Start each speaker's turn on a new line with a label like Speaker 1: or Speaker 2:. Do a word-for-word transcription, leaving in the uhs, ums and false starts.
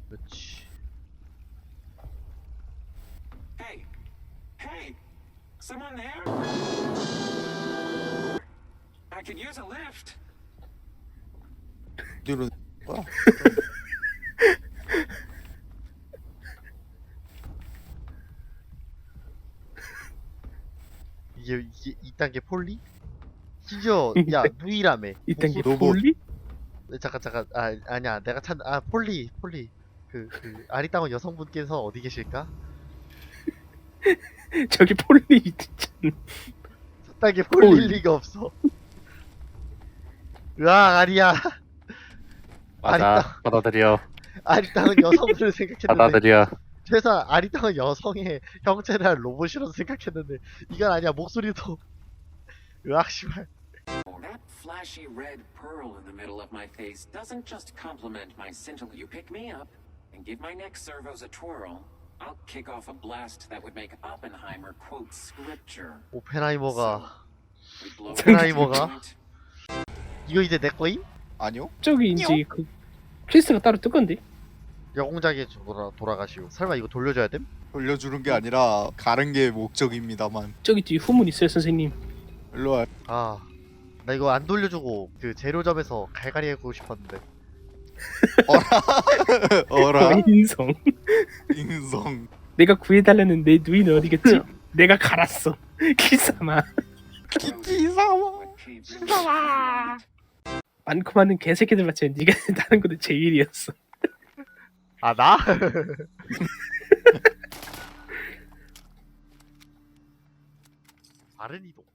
Speaker 1: 그렇지.
Speaker 2: Hey, hey, someone there? I could use a lift.
Speaker 3: 뒤로 뭐야?
Speaker 1: 이게 이게 이딴 게 폴리? 심지어 야 누이라며.
Speaker 4: 이딴 게
Speaker 1: 목소리-
Speaker 3: 로봇.
Speaker 4: 폴리?
Speaker 1: 잠깐 잠깐 아 아니야 내가 찾 아 폴리 폴리 그 그 아리따운 여성분께서 어디 계실까?
Speaker 4: 저기 폴리 진짜.
Speaker 1: 저딴 게 폴리일
Speaker 4: 폴리.
Speaker 1: 리가 없어. 으악 아리야.
Speaker 5: 맞아.
Speaker 1: 아리따
Speaker 5: 받아들여.
Speaker 1: 아리따운 여성분을 생각했는데
Speaker 5: 받아들여.
Speaker 1: 최소한 아리따운 여성의 형체를 한 로봇이라고 생각했는데 이건 아니야. 목소리도 으악 씨발.
Speaker 2: That flashy red pearl in the middle of my face doesn't just complement my scintillating. You pick me up and give my neck servos a twirl. I'll kick off a blast that would make Oppenheimer quote scripture.
Speaker 1: 오펜하이머가
Speaker 2: We blow
Speaker 1: 오펜하이머가?
Speaker 2: point.
Speaker 1: 이거 이제 내 거임?
Speaker 3: 아니요?
Speaker 4: 저기 이제 그 퀘스트가 따로 뜰 건데.
Speaker 1: 여공작에 돌아 돌아가시오. 설마 이거 돌려줘야 됨?
Speaker 3: 돌려주는 게 아니라 가는 게 목적입니다만.
Speaker 4: 저기 뒤에 후문 있어요 선생님.
Speaker 3: 일로 와.
Speaker 1: 아, 나 이거 안 돌려주고 그 재료점에서 갈갈이 하고 싶었는데.
Speaker 3: 어라
Speaker 4: 인성.
Speaker 3: 인성.
Speaker 4: 내가 구해달라는 내 누이는 어디겠지? 내가 갈았어. 기사마.
Speaker 3: 키키사와.
Speaker 2: What cave really
Speaker 4: 많고 많은 개새끼들 맞지? 네가 다른 것도 제일이었어.
Speaker 1: 아 나? 빠른 이동.